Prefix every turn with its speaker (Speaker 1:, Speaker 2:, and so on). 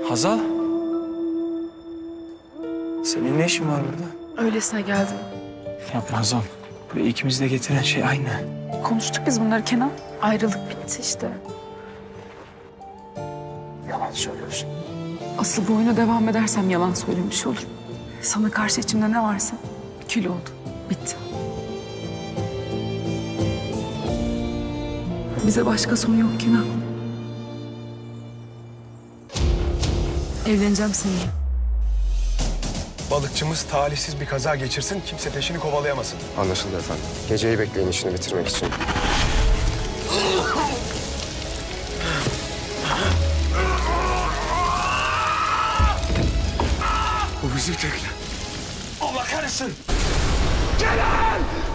Speaker 1: Hazal? Senin ne işin var burada?
Speaker 2: Öylesine geldim.
Speaker 1: Yapma Hazal. Buraya ikimizi de getiren şey aynı.
Speaker 2: Konuştuk biz bunları Kenan. Ayrılık bitti işte.
Speaker 1: Yalan söylüyorsun.
Speaker 2: Asıl bu oyuna devam edersem yalan söylemiş olurum. Sana karşı içimde ne varsa kül oldu. Bitti. Bize başka son yok Kenan. Evleneceğim seninle.
Speaker 3: Balıkçımız talihsiz bir kaza geçirsin, kimse peşini kovalayamasın.
Speaker 4: Anlaşıldı efendim. Geceyi bekleyin işini bitirmek için.
Speaker 3: Bu bizim tekne. Allah kahretsin! Kenan!